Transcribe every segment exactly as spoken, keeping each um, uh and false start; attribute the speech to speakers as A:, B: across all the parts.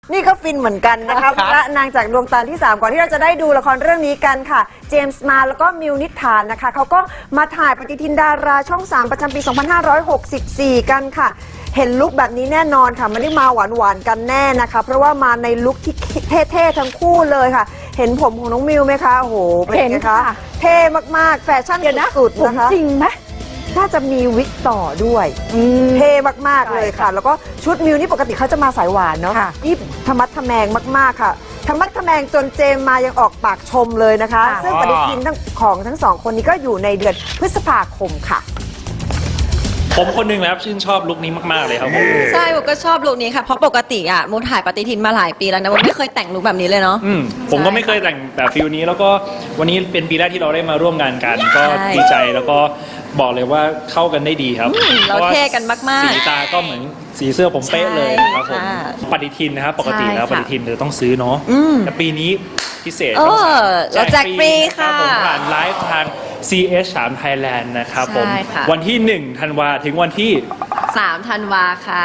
A: นี่ก็ฟินเหมือนกันนะคะพระนางจากดวงตาที่สามก่อนที่เราจะได้ดูละครเรื่องนี้กันค่ะเจมส์มาแล้วก็มิวนิษฐานนะคะเขาก็มาถ่ายปฏิทินดาราช่องสามประจำปี สองพันห้าร้อยหกสิบสี่ กันค่ะเห็นลุคแบบนี้แน่นอนค่ะไม่ได้มาหวานๆกันแน่นะคะเพราะว่ามาในลุคที่เท่ๆทั้งคู่เลยค่ะเห็นผมของน้องมิวไหมคะโอ้โหเป็นไงคะเท่มากๆแฟชั่นสุดๆนะคะ
B: จริงไหม
A: น่าจะมีวิกต่อด้วยเท่มากๆเลยค่ะแล้วก็ชุดมิวนี่ปกติเขาจะมาสายหวานเนาะนี่ธรรมัดทะแมงมากๆค่ะธรรมัดทะแมงจนเจมมายังออกปากชมเลยนะคะซึ่งปฏิทินทั้งของทั้งสองคนนี้ก็อยู่ในเดือนพฤษภาคมค่ะ
C: ผมคนหนึ่งนะครับชื่นชอบลุคนี้มากๆเลยครับผม
D: ใช่ผมก็ชอบลุคนี้ค่ะเพราะปกติอ่ะมูถ่ายปฏิทินมาหลายปีแล้วนะผมไม่เคยแต่งลุคแบบนี้เลยเนาะ
C: อืมผมก็ไม่เคยแต่งแบบฟิลนี้แล้วก็วันนี้เป็นปีแรกที่เราได้มาร่วมงานกันก็ดีใจแล้วก็บอกเลยว่าเข้ากันได้ดีครับ
D: เราเท่กันมากๆ
C: สีตาก็เหมือนสีเสื้อผมเป๊ะเลยครับผมปฏิทินนะครับปกติแล้วปฏิทินเราต้องซื้อเนาะแต่ปีนี้พิเศษ
D: เราแจกฟรีค่ะ
C: ผมผ่านไลฟ์ทาง ซี เอช สาม Thailand นะครับผมวันที่หนึ่งธันวาถึงวันที่
D: สามธันวาค่ะ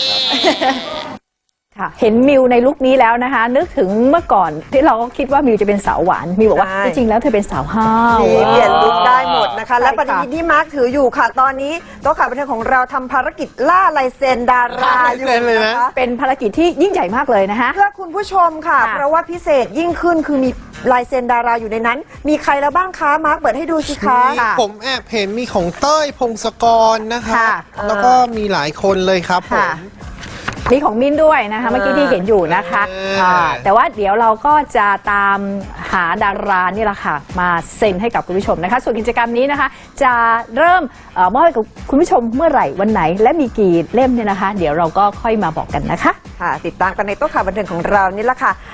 B: เห็นมิวในลุคนี้แล้วนะคะนึกถึงเมื่อก่อนที่เราก็คิดว่ามิวจะเป็นสาวหวานมิวบอกว่าจริงๆแล้วเธอเป็นสาวห้าว
A: เปลี่ยนลุคได้หมดนะคะและปฏิทินที่มาร์คถืออยู่ค่ะตอนนี้โต๊ะข่าวบันเทิงของเราทำภารกิจล่าลายเซ็นดาราอยู่นะคะ
B: เป็นภารกิจที่ยิ่งใหญ่มากเลยนะคะ
A: เพื่อคุณผู้ชมค่ะเพราะว่าพิเศษยิ่งขึ้นคือมีลายเซ็นดาราอยู่ในนั้นมีใครแล้วบ้างคะมาร์คเปิดให้ดูสิคะ
E: ผมแอบเห็นมีของเต้ยพงศกรนะคะแล้วก็มีหลายคนเลยครับผม
B: มีของมิ้นด้วยนะคะเมื่อกี้ที่เห็นอยู่นะคะแต่ว่าเดี๋ยวเราก็จะตามหาดารานี่แหละค่ะมาเซ็นให้กับคุณผู้ชมนะคะส่วนกิจกรรมนี้นะคะจะเริ่มมอบให้กับคุณผู้ชมเมื่อไหร่วันไหนและมีกี่เล่มเนี่ยนะคะเดี๋ยวเราก็ค่อยมาบอกกันนะคะ
A: ค่ะติดตามกันในโต๊ะข่าวบันเทิงของเรานี่แหละค่ะ